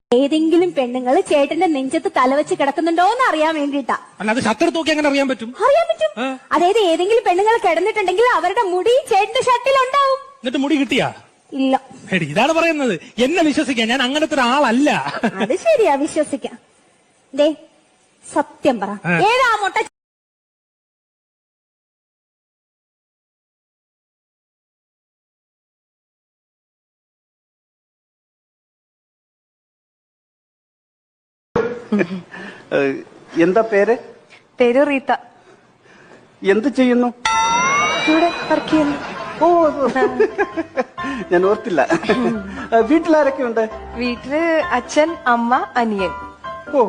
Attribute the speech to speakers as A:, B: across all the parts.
A: ഏതെങ്കിലും പെണ്ണുങ്ങള് ചേട്ടന്റെ നെഞ്ചത്ത് തലവെച്ച് കിടക്കുന്നുണ്ടോ എന്ന് അറിയാൻ വേണ്ടിട്ടാ.
B: അല്ലാതെ ഷർട്ട് തൂക്കി അങ്ങനെ അറിയാൻ പറ്റും?
A: അറിയാൻ പറ്റും. അതായത് ഏതെങ്കിലും പെണ്ണുങ്ങൾ കിടന്നിട്ടുണ്ടെങ്കിൽ അവരുടെ മുടി ചേട്ടന്റെ ഷർട്ടിലുണ്ടാവും.
B: എന്നിട്ട് മുടി കിട്ടിയാ?
A: ഇല്ല.
B: ഇതാണ് പറയുന്നത്. എന്നെ വിശ്വസിക്കാൻ, ഞാൻ അങ്ങനത്തെ ഒരാളല്ല.
A: അത് ശരിയാ, വിശ്വസിക്കാം. ദേ സത്യം പറ, ഏതാ മുട്ട?
C: എന്താ പേര്?
D: പേര് റീത്ത.
C: എന്ത് ചെയ്യുന്നു?
D: ഇവിടെ വർക്ക് ചെയ്യുന്നു.
C: ഓ, ഞാൻ ഓർത്തില്ല. വീട്ടിലാരൊക്കെ ഉണ്ട്?
D: വീട്ടില് അച്ഛൻ, അമ്മ, അനിയൻ.
C: ഓ,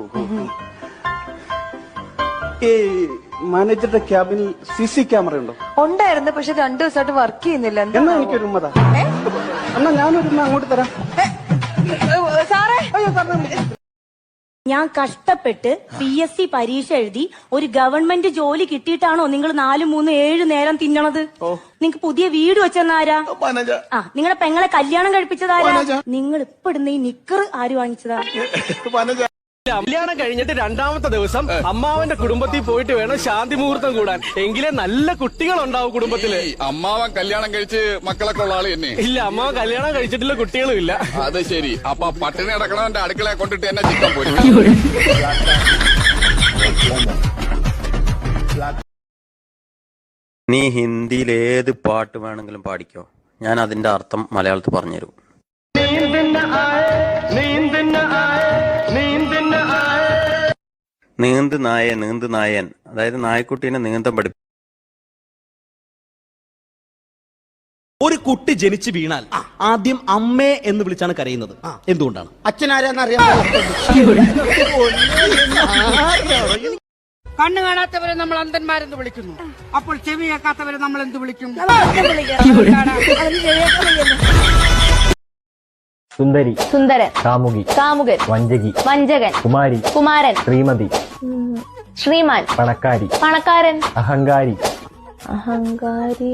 C: ഈ മാനേജറുടെ ക്യാബിനിൽ CC ക്യാമറ ഉണ്ടോ?
D: ഉണ്ടായിരുന്നു, പക്ഷെ 2 ദിവസമായിട്ട് വർക്ക് ചെയ്യുന്നില്ല.
C: എന്നാ എനിക്കൊരു ഉമ്മതാ. എന്നാ ഞാനൊരു അങ്ങോട്ട് തരാം.
D: സാറേ,
C: അയ്യോ സാറിന്
A: ഞാൻ കഷ്ടപ്പെട്ട് PSC പരീക്ഷ എഴുതി ഒരു ഗവൺമെന്റ് ജോലി കിട്ടിയിട്ടാണോ നിങ്ങൾ 4, 3, 7 നേരം തിന്നണത്? നിങ്ങക്ക് പുതിയ വീട് വെച്ചെന്നാരാ? നിങ്ങളുടെ പെങ്ങളെ കല്യാണം കഴിപ്പിച്ചതാരാ? നിങ്ങൾ ഇപ്പൊ ഇടുന്ന ഈ നിക്കർ ആര് വാങ്ങിച്ചതാ?
E: കല്യാണം കഴിഞ്ഞിട്ട് 2ാമത്തെ ദിവസം അമ്മാവന്റെ കുടുംബത്തിൽ പോയിട്ട് വേണം ശാന്തി മുഹൂർത്തം കൂടാൻ. എങ്കിലേ നല്ല കുട്ടികൾ ഉണ്ടാവും കുടുംബത്തില്.
F: അമ്മാവൻ കല്യാണം കഴിച്ച് മക്കളൊക്കെ ഉള്ള ആള് തന്നെ?
E: ഇല്ല, അമ്മാവൻ കല്യാണം കഴിച്ചിട്ടുള്ള കുട്ടികളും ഇല്ല.
F: അത് ശരി. അപ്പൊ പട്ടിണി അടക്കണവന്റെ അടുക്കളയെ കൊണ്ടിട്ട് എന്നെ ചിക്കൻ പോയി.
G: നീ ഹിന്ദിയിൽ ഏത് പാട്ട് വേണമെങ്കിലും പാടിക്കോ, ഞാൻ അതിന്റെ അർത്ഥം മലയാളത്തിൽ പറഞ്ഞുതരും. നീന്ത് നായ, നീന്ത് നായൻ, അതായത് നായക്കുട്ടീനെ നീന്തം പഠിപ്പിക്കും.
H: ഒരു കുട്ടി ജനിച്ചു വീണാൽ ആദ്യം അമ്മേ എന്ന് വിളിച്ചാണ് കരയുന്നത്. എന്തുകൊണ്ടാണ്?
C: അച്ഛനാരാന്നറിയാം.
I: കണ്ണു കാണാത്തവരെ നമ്മൾ അന്ധന്മാരെന്ന് വിളിക്കുന്നു. അപ്പോൾ ചെവി കേൾക്കാത്തവരെ നമ്മൾ എന്ത് വിളിക്കും?
J: സുന്ദരി,
A: സുന്ദരൻ,
J: കാമുകി,
A: കാമുകൻ,
J: വഞ്ചകി,
A: വഞ്ചകൻ,
J: കുമാരി,
A: കുമാരൻ,
J: ശ്രീമതി,
A: ശ്രീമാൻ,
J: പണക്കാരി,
A: പണക്കാരൻ,
J: അഹങ്കാരി.
A: അഹങ്കാരി.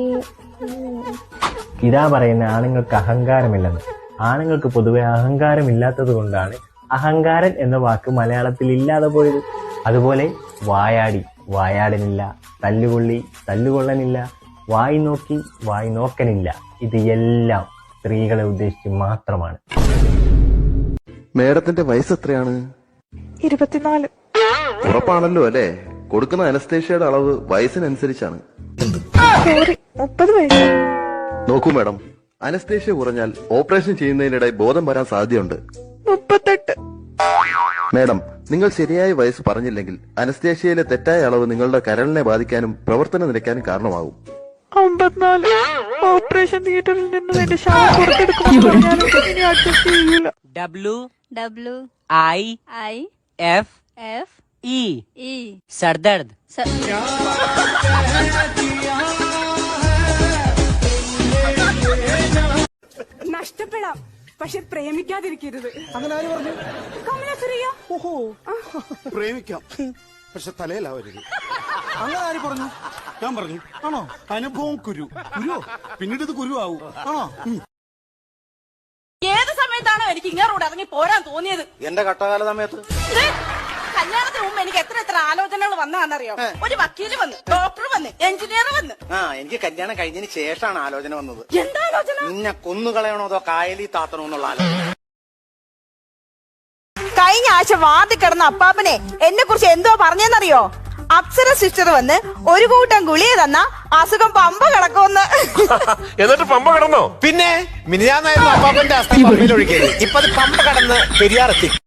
J: ഇതാ പറയുന്ന ആണുങ്ങൾക്ക് അഹങ്കാരമില്ലെന്ന്. ആണുങ്ങൾക്ക് പൊതുവെ അഹങ്കാരമില്ലാത്തത് കൊണ്ടാണ് അഹങ്കാരൻ എന്ന വാക്ക് മലയാളത്തിൽ ഇല്ലാതെ പോയത്. അതുപോലെ വായാടി, വായാടനില്ല. തല്ലുകൊള്ളി, തല്ലുകൊള്ളനില്ല. വായി നോക്കി, വായി നോക്കനില്ല. ഇത് എല്ലാം സ്ത്രീകളെ ഉദ്ദേശിച്ച് മാത്രമാണ്.
K: മേഡത്തിന്റെ വയസ്സ് എത്രയാണ്?
D: 24.
K: ഉറപ്പാണല്ലോ അല്ലേ? കൊടുക്കുന്ന അനസ്തേഷ്യയുടെ അളവ് വയസ്സിനനുസരിച്ചാണ്.
D: 30 വയസ്സ്.
K: നോക്കൂ മേഡം, അനസ്തേഷ്യ കുറഞ്ഞാൽ ഓപ്പറേഷൻ ചെയ്യുന്നതിനിടെ ബോധം വരാൻ സാധ്യതയുണ്ട്.
D: 38.
K: മേഡം, നിങ്ങൾ ശരിയായ വയസ്സ് പറഞ്ഞില്ലെങ്കിൽ അനസ്തേഷ്യയിലെ തെറ്റായ അളവ് നിങ്ങളുടെ കരളിനെ ബാധിക്കാനും പ്രവർത്തനം നിലയ്ക്കാനും കാരണമാകും.
D: 54. ഓപ്പറേഷൻ തിയേറ്ററിൽ നിന്ന് എന്റെ ശവം പുറത്തെടുക്കുമ്പോൾ അഡ്ജസ്റ്റ് ചെയ്യൂല.
I: WIFE സർദർദ്. നഷ്ടപ്പെടാം, പക്ഷെ പ്രേമിക്കാതിരിക്കരുത്.
C: അങ്ങനെ ആര് പറഞ്ഞു?
I: കമലസുരിയ.
C: ഓഹോ, പ്രേമിക്കാം, പക്ഷെ തലയിലാവരുത്. അങ്ങനെ ആര് പറഞ്ഞു? ഞാൻ പറഞ്ഞു. ആണോ? അനുഭവം കുരുവോ? പിന്നീട് ഇത് കുരുവാവൂ. ആണോ?
I: ഏത് സമയത്താണോ എനിക്ക് ഇങ്ങോട്ട് ഇറങ്ങി പോരാൻ തോന്നിയത്?
C: എന്റെ കട്ടകാല സമയത്ത്.
I: കല്യാണത്തിന് മുമ്പ് എനിക്ക് എത്ര ആലോചനകൾ വന്നതാണെന്നറിയോ? ഒരു വക്കീല് വന്ന്, ഡോക്ടർ വന്ന്, എഞ്ചിനീയർ വന്ന്.
C: എനിക്ക് കല്യാണം കഴിഞ്ഞതിന് ശേഷമാണ് ആലോചന വന്നത്.
I: എന്താ ആലോചന?
C: നിന്നെ കൊന്നുകളയണോ അതോ കായലി താത്തണോ എന്നുള്ള ആലോചന.
I: കഴിഞ്ഞ ആഴ്ച വാർഡിൽ കിടന്ന അപ്പാപ്പനെ എന്നെ കുറിച്ച് എന്തോ പറഞ്ഞെന്നറിയോ? അപ്സര സിസ്റ്റർ വന്ന് ഒരു കൂട്ടം ഗുളിക തന്ന അസുഖം പമ്പ കിടക്കുമെന്ന്.
E: എന്നിട്ട് പമ്പ കിടന്നോ?
H: പിന്നെ മിനിഞ്ഞാന്നായിരുന്നു അപ്പാപ്പന്റെ അസ്ഥി പമ്പയിൽ ഒഴുകിയത്. ഇപ്പൊ അത് പമ്പ കടന്ന് പെരിയാറെത്തി.